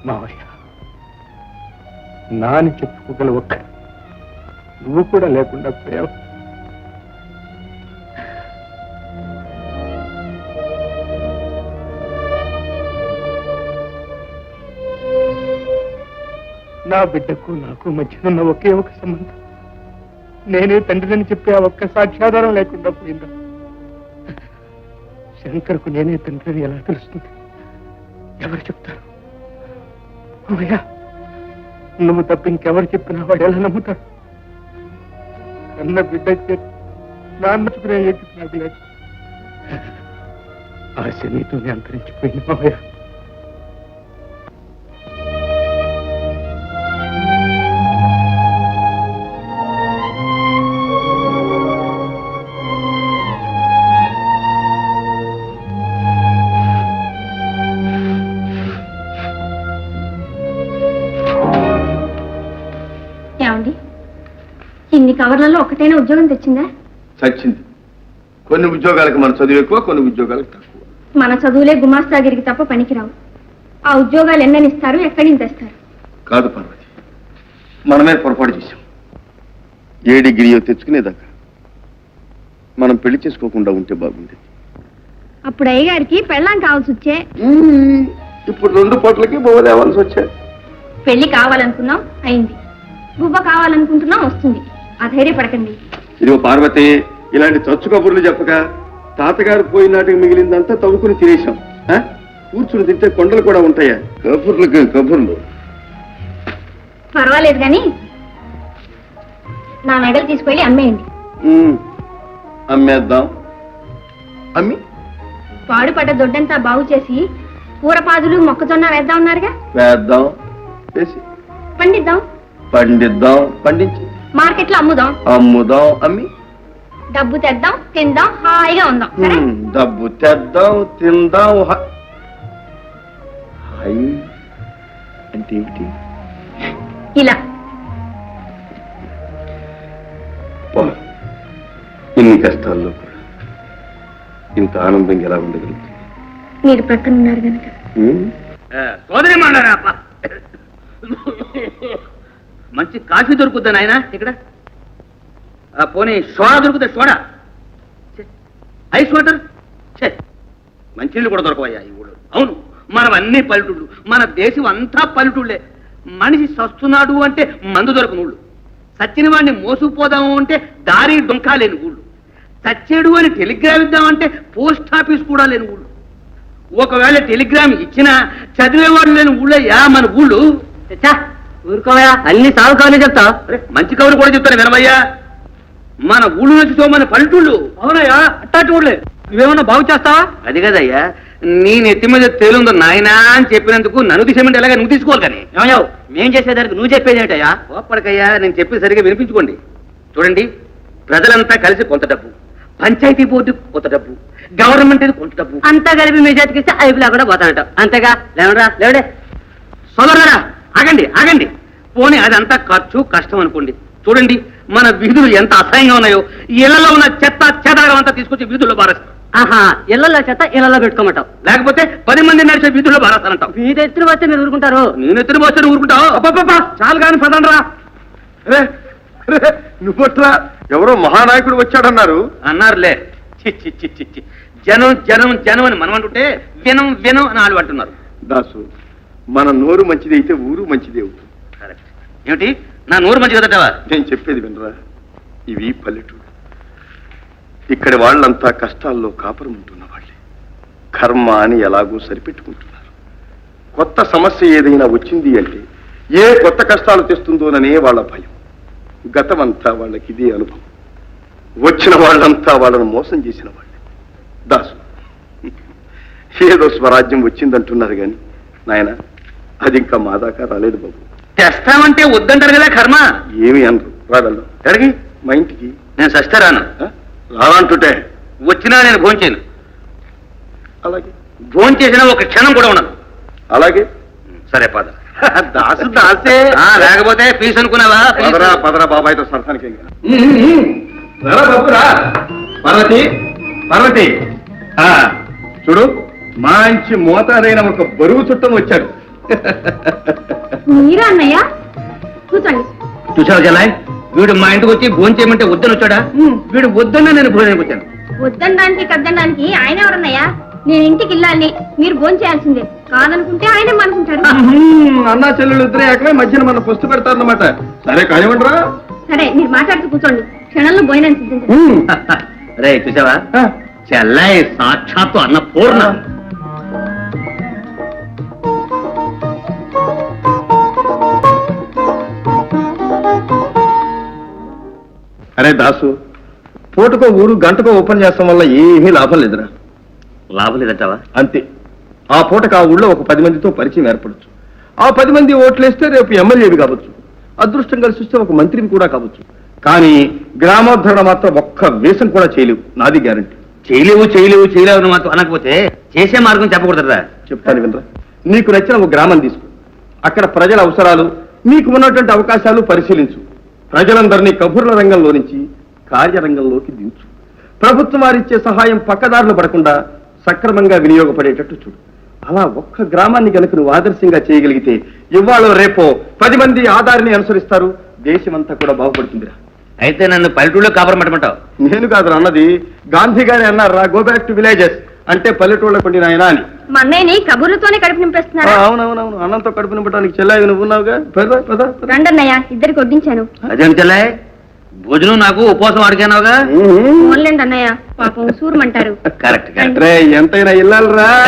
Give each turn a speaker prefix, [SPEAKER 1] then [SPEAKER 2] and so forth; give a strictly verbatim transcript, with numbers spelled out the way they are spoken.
[SPEAKER 1] మావయ్య, నాని చెప్పుకోగల ఒక్క నువ్వు కూడా లేకుండా పోయావు. నా బిడ్డకు నాకు మధ్యనున్న ఒకే ఒక సంబంధం, నేనే తండ్రిని చెప్పే ఆ ఒక్క సాక్ష్యాధారం లేకుండా పోయిందా? శంకర్కు నేనే తండ్రిని ఎలా తెలుస్తుంది? ఎవరు చెప్తారు? అమ్మయ్యా, నువ్వు తప్ప ఇంకెవరు చెప్పినా వాడు ఎలా నమ్ముతాడు? కన్న బిడ్డ నాన్నచుకునే ఏకి నాకు లేదు. ఆశ నీతోనే అంతరించిపోయింది మావయ్య.
[SPEAKER 2] ఇన్ని కవర్లలో ఒకటైనా ఉద్యోగం తెచ్చిందా?
[SPEAKER 3] చచ్చింది. కొన్ని ఉద్యోగాలకు మన చదువు ఎక్కువ, కొన్ని ఉద్యోగాలకు తక్కువ.
[SPEAKER 2] మన చదువులే గుమాస్తాగిరికి తప్ప పనికిరావు. ఆ ఉద్యోగాలు ఎన్నని ఇస్తారు, ఎక్కడి నుంచి తెస్తారు?
[SPEAKER 3] కాదు పార్వతి, మనమే పొరపాటు చేశాం. ఏ డిగ్రీయో తెచ్చుకునేదాకా మనం పెళ్లి చేసుకోకుండా ఉంటే బాగుండేది.
[SPEAKER 2] అప్పుడు అయ్యగారికి పెళ్ళాం కావాల్సి వచ్చే.
[SPEAKER 3] ఇప్పుడు రెండు పూటలకి బొవ్వ తేవాల్సి వచ్చాయి.
[SPEAKER 2] పెళ్లి కావాలనుకున్నాం, అయింది. బువ్వ కావాలనుకుంటున్నాం, వస్తుంది. అధైర్యపడకండి.
[SPEAKER 3] ఇదిగో పార్వతి, ఇలాంటి చచ్చు కబుర్లు చెప్పక తాతగారు పోయినాటికి మిగిలిందంతా తవ్వుకుని తినేశాం. కూర్చుని తింటే కొండలు కూడా ఉంటాయా? కబుర్లకి కబుర్లు.
[SPEAKER 2] పర్వాలేదు కానీ నా మెడలు తీసుకెళ్ళి అమ్మేయండి.
[SPEAKER 3] అమ్మేద్దాం. అమ్మి
[SPEAKER 2] పాడుపడ్డ దొడ్డంతా బాగు చేసి కూరపాదులు మొక్కజొన్న వేద్దాం ఉన్నారుగా.
[SPEAKER 3] వేద్దాం. వేసి
[SPEAKER 2] పండిద్దాం.
[SPEAKER 3] పండిద్దాం. పండించి
[SPEAKER 2] మార్కెట్లో అమ్ముదాం.
[SPEAKER 3] అమ్ముదాం. అమ్మి
[SPEAKER 2] డబ్బు తెద్దాం, తిందాం, హాయిగా ఉందాం.
[SPEAKER 3] డబ్బు తెద్దాం, తిందాం. హాయి అంటే ఏమిటి?
[SPEAKER 2] ఇలా
[SPEAKER 3] ఇన్ని కష్టాల్లో కూడా ఇంత ఆనందంగా ఎలా ఉండగలుగుతుంది?
[SPEAKER 2] మీరు ప్రక్కన ఉన్నారు కనుక.
[SPEAKER 4] సోదరి మాడారా, మంచి కాఫీ దొరుకుద్దా నాయన ఇక్కడ? పోనీ సోడా దొరుకుతా? సోడా, ఐస్ వాటర్, మంచినీళ్ళు కూడా దొరకవయ్యా ఈ ఊళ్ళో. అవును, మనం అన్ని పల్లెటూళ్ళు, మన దేశం అంతా పల్లెటూళ్ళే. మనిషి సస్తున్నాడు అంటే మందు దొరకని ఊళ్ళు, సచ్చిన వాడిని మోసుకుపోదాము అంటే దారి డొంకా లేని ఊళ్ళు, చచ్చేడు అని టెలిగ్రామ్ ఇద్దామంటే పోస్ట్ ఆఫీస్ కూడా లేని ఊళ్ళు. ఒకవేళ టెలిగ్రామ్ ఇచ్చినా చదివేవాడు లేని ఊళ్ళయ్యా మన ఊళ్ళు. ఊరుకోవయా, అన్ని సాగు కవర్లు చెప్తా. మంచి కవులు కూడా చెప్తాను వినవయ్యా. మన ఊళ్ళు నుంచి మన పల్లెటూళ్ళు. అవునయ్యా, అట్టాటి ఊళ్ళే. నువ్వేమన్నా బాగు చేస్తావా? అది కదయ్యా, నీ నెత్తి మీద తేలుందో నాయనా అని చెప్పినందుకు నన్ను తీసేమంటే ఎలాగ నువ్వు తీసుకోవాలి. కానీ ఏమయ్యావు, మేం చేసేదానికి నువ్వు చెప్పేది ఏంటయ్యా? ఓపడకయ్యా, నేను చెప్పేది సరిగా వినిపించుకోండి. చూడండి, ప్రజలంతా కలిసి కొంత డబ్బు, పంచాయతీ బోర్డు కొంత డబ్బు, గవర్నమెంట్ కొంత డబ్బు అంతా కలిపి మీ చేతికిస్తే ఐపులా కూడా పోతానట. అంతేగా? లేవరా లేవడే సోదరులారా, ఆగండి ఆగండి. పోనీ అదంతా ఖర్చు కష్టం అనుకోండి. చూడండి, మన వీధులు ఎంత అసహ్యంగా ఉన్నాయో. ఇళ్లలో ఉన్న చెత్త చెదారం అంతా తీసుకొచ్చి వీధుల్లో బారేస్తారు. ఆహా, ఇళ్లలో చెత్త ఇళ్లలో పెట్టుకోమంటావు, లేకపోతే పది మంది నడిచే వీధుల్లో బారేస్తానంటావు. మీ ఎత్తున వస్తే మీరు ఊరుకుంటారు? నేను ఎత్తున వస్తే ఊరుకుంటావు? అబ్బా, చాలు కానీ పదండ్రా.
[SPEAKER 3] నువ్వట్లా ఎవరో మహానాయకుడు వచ్చాడన్నారు.
[SPEAKER 4] అన్నారులే. చిచ్చి చిచ్చి చి జనం జనం జనం అని మనం అంటుంటే వినం వినం అని వాళ్ళు అంటున్నారు.
[SPEAKER 3] దాసు, మన నోరు మంచిది అయితే ఊరు మంచిది అవుతుంది.
[SPEAKER 4] కరెక్ట్. ఏమిటి నా నోరు మంచిది కదటవా?
[SPEAKER 3] నేను చెప్పేది వినరా, ఇవి పల్లెటూరు. ఇక్కడి వాళ్ళంతా కష్టాల్లో కాపురం ఉంటున్న వాళ్ళే. కర్మ అని ఎలాగో సరిపెట్టుకుంటున్నారు. కొత్త సమస్య ఏదైనా వచ్చింది అంటే ఏ కొత్త కష్టాలు తెస్తుందోననే వాళ్ళ భయం. గతమంతా వాళ్ళకి ఇదే అనుభవం. వచ్చిన వాళ్ళంతా వాళ్ళను మోసం చేసిన వాళ్ళే. దాసు, ఏదో స్వరాజ్యం వచ్చిందంటున్నారు కానీ నాయన, అది ఇంకా మా దాకా రాలేదు బాబు.
[SPEAKER 4] తెస్తామంటే వద్దంటారు కదా కర్మ.
[SPEAKER 3] ఏమి అనరు. రాగలరు ఎక్కడికి? మా ఇంటికి.
[SPEAKER 4] నేను సస్తే రాను.
[SPEAKER 3] రానంటుంటే
[SPEAKER 4] వచ్చినా నేను భోంచేయను.
[SPEAKER 3] అలాగే.
[SPEAKER 4] భోంచేసినా ఒక క్షణం కూడా ఉండదు.
[SPEAKER 3] అలాగే.
[SPEAKER 4] సరే పద.
[SPEAKER 3] దాసు దాసే.
[SPEAKER 4] లేకపోతే ఫీజు అనుకున్నావా?
[SPEAKER 3] పదరా పదరా బాబాయ్తో సరసానికి.
[SPEAKER 1] పార్వతి, పార్వతి, చూడు, మంచి మోతాదైన ఒక బరువు చుట్టం వచ్చాడు.
[SPEAKER 2] మీరా అన్నయ్య కూర్చోండి.
[SPEAKER 4] చూసావు జలాయ్, వీడు మా ఇంటికి వచ్చి భోజనం చేయమంటే వద్దని వచ్చాడా? వీడు వద్దన్నా నేను భోజనానికి వచ్చాను.
[SPEAKER 2] వద్దనడానికి కద్దనడానికి ఆయన ఎవరన్నయ్యా? నేను ఇంటికి వెళ్ళాలి, మీరు భోజనం చేయాల్సిందే. కాదనుకుంటే ఆయన అనుకుంటారు.
[SPEAKER 3] అన్నా చెల్లెలు ఇద్దరే అక్కడ మధ్యన మన పుస్తు పెడతారన్నమాట. సరే కానివ్వండిరా.
[SPEAKER 2] సరే మీరు మాట్లాడుతూ కూర్చోండి, క్షణంలో భోజనం సిద్ధించండి.
[SPEAKER 4] రే చూసావా, చెల్లాయి సాక్షాత్తు అన్న పూర్ణ.
[SPEAKER 3] అరే దాసు, పూటకో ఊరు గంటకో ఓపెన్ చేస్తాం వల్ల ఏమీ లాభం లేదురా.
[SPEAKER 4] లాభం లేదంటావా?
[SPEAKER 3] అంతే. ఆ పూటకు ఆ ఊళ్ళో ఒక పది మందితో పరిచయం ఏర్పడచ్చు. ఆ పది మంది ఓట్లేస్తే రేపు ఎమ్మెల్యేవి కావచ్చు, అదృష్టం కలిసి వస్తే ఒక మంత్రిని కూడా కావచ్చు. కానీ గ్రామోద్ధరణ మాత్రం ఒక్క వేషం కూడా చేయలేవు, నాది గ్యారంటీ.
[SPEAKER 4] చేయలేవు చేయలేవు చేయలేవు అని మాత్రం అనకపోతే చేసే మార్గం చెప్పకూడదురా.
[SPEAKER 3] చెప్తాను వినరా. నీకు నచ్చిన ఒక గ్రామం తీసుకో, అక్కడ ప్రజల అవసరాలు, నీకు ఉన్నటువంటి అవకాశాలు పరిశీలించు. ప్రజలందరినీ కబుర్ల రంగంలో నుంచి కార్యరంగంలోకి దించు. ప్రభుత్వం వారిచ్చే సహాయం పక్కదారులు పడకుండా సక్రమంగా వినియోగపడేటట్టు చూడు. అలా ఒక్క గ్రామాన్ని కనుక నువ్వు ఆదర్శంగా చేయగలిగితే ఇవాళ రేపో పది మంది ఆధారిని అనుసరిస్తారు, దేశమంతా కూడా బాగుపడుతుందిరా.
[SPEAKER 4] అయితే నన్ను పల్లెటూళ్ళలో కాపురం పెట్టమంటావు?
[SPEAKER 3] నేను కాదు అన్నది, గాంధీ గారి అన్నారా, గో బ్యాక్ టు విలేజెస్ అంటే పల్లెటూళ్ళ కొండి నాయన అని.
[SPEAKER 2] మా అన్నయ్యని కబుర్లతోనే కడుపు నింపేస్తున్నారా?
[SPEAKER 3] అవునవునవును, అన్నంతో కడుపు నింపడానికి చెల్లాయి నువ్వు ఉన్నావుగా. పద పద పద.
[SPEAKER 2] రండన్నయ్య, ఇద్దరికి వడ్డించాను.
[SPEAKER 4] అదేం చెల్లాయి, భోజనం నాకు ఉపవాసం అడిగానావుగా.
[SPEAKER 2] ఓన్లేండి అన్నయ్య, పాపం సూరమంటారు.
[SPEAKER 4] Correct correct.
[SPEAKER 3] రే ఎంతైనా ఇల్లాలరా.